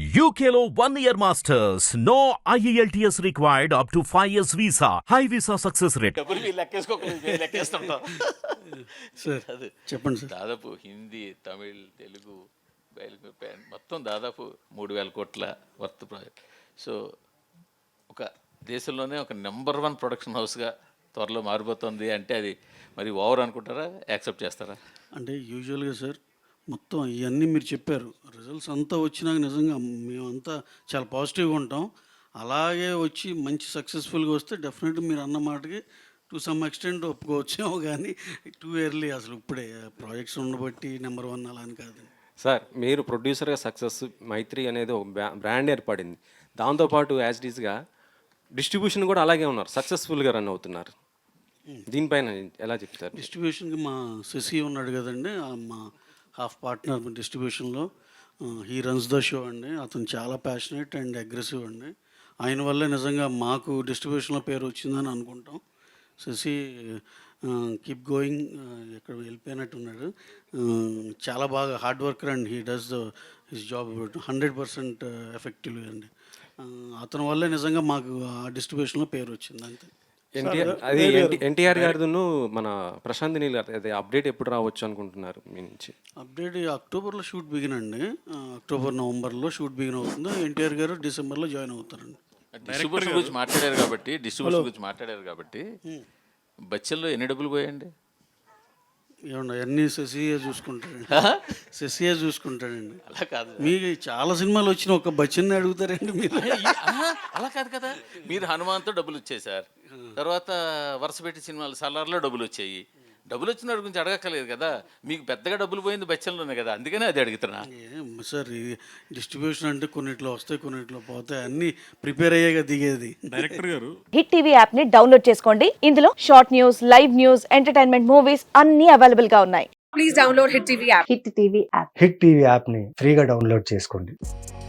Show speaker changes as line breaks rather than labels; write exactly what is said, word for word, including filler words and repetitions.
U K లో one year masters. No I E L T S required up to five years visa. High visa success rate.
డబ్బులు మీరు లెక్కేసుకోకలేదు మేము లెక్కేస్తుంటాం
sir
అది
చెప్పండి sir.
దాదాపు హిందీ తమిళ్ తెలుగు బయలు మొత్తం దాదాపు మూడు వేల కోట్ల వర్త్ ప్రాజెక్ట్. సో ఒక దేశంలోనే ఒక నెంబర్ వన్ ప్రొడక్షన్ హౌస్గా త్వరలో మారిపోతుంది అంటే అది మరి ఓవర్ అనుకుంటారా, యాక్సెప్ట్ చేస్తారా?
అంటే యూజువల్గా సార్ మొత్తం ఇవన్నీ మీరు చెప్పారు, రిజల్ట్స్ అంతా వచ్చినాక నిజంగా మేమంతా చాలా పాజిటివ్గా ఉంటాం. అలాగే వచ్చి మంచి సక్సెస్ఫుల్గా వస్తే డెఫినెట్గా మీరు అన్న మాటకి టు సమ్ ఎక్స్టెంట్ ఒప్పుకోవచ్చేమో, కానీ టూ ఇయర్లీ అసలు ఇప్పుడే ప్రాజెక్ట్స్ ఉండబట్టి నెంబర్ వన్ అలా అని కాదు
సార్. మీరు ప్రొడ్యూసర్గా సక్సెస్ మైత్రి అనేది ఒక బ్రాండ్ ఏర్పడింది, దాంతోపాటు యాజ్ డీస్గా డిస్ట్రిబ్యూషన్ కూడా అలాగే ఉన్నారు, సక్సెస్ఫుల్గా రన్ అవుతున్నారు. దీనిపైన ఎలా చెప్తారు?
డిస్ట్రిబ్యూషన్కి మా శశి ఉన్నాడు కదండి, ఆ మా హాఫ్ పార్ట్నర్ డిస్ట్రిబ్యూషన్లో, హీ రన్స్ ద షో అండి. అతను చాలా ప్యాషనేట్ అండ్ అగ్రెసివ్ అండి. ఆయన వల్లే నిజంగా మాకు డిస్ట్రిబ్యూషన్లో పేరు వచ్చిందని అనుకుంటాం. శశి కీప్ గోయింగ్, ఎక్కడ వెళ్ళిపోయినట్టున్నాడు. చాలా బాగా hard worker and he does the his job hundred percent effective అండి. అతని వల్లే నిజంగా మాకు ఆ డిస్ట్రిబ్యూషన్లో పేరు వచ్చింది అంతే.
ఎన్టీఆర్ అది ఎన్టీఆర్ గారిను మన ప్రశాంత్ నీల్ గారు అది అప్డేట్ ఎప్పుడు రావచ్చు అనుకుంటున్నారు మీ నుంచి?
అప్డేట్ అక్టోబర్లో షూట్ బిగిన్ అండి, అక్టోబర్ నవంబర్లో షూట్ బిగిన్ అవుతుంది. ఎన్టీఆర్ గారు డిసెంబర్లో జాయిన్ అవుతారండి.
డిస్ట్రిబ్యూషన్ గురించి మాట్లాడారు కాబట్టి డిస్ట్రిబ్యూషన్ గురించి మాట్లాడారు కాబట్టి బచ్చల్లో ఎన్ని డబ్బులు పోయండి?
ఏమన్నా అన్నీ శశియే చూసుకుంటాడండి, శశియే చూసుకుంటాడండి.
అలా కాదు,
మీకు చాలా సినిమాలు వచ్చిన ఒక బచ్చన్ని అడుగుతారండి మీరు.
అలా కాదు కదా. మీరు హనుమాన్తో డబ్బులు వచ్చాయి సార్, తర్వాత వరుస పెట్టి సినిమాలు సలార్లో డబ్బులు వచ్చాయి. డబ్బులు వచ్చిన వాడి గురించి అడగక్కలేదు కదా. మీకు పెద్దగా డబ్బులు పోయింది బచ్చల్లోనే కదా, అందుకనే అది అడుగుతున్నా.
ఏం సార్ ఈ డిస్ట్రిబ్యూషన్ అంటే కొన్నిట్లో వస్తాయి కొన్నిట్లో పోతాయి, అన్నీ ప్రిపేర్ అయ్యాక దిగేది.
డైరెక్టర్ గారు
హిట్ టీవీ యాప్ ని డౌన్లోడ్ చేసుకోండి. ఇందులో short news, live news, entertainment movies అన్ని అవైలబుల్ గా ఉన్నాయి.
Please download Hit T V app.
Hit TV app
hit TV యాప్ని ఫ్రీగా డౌన్లోడ్ చేసుకోండి.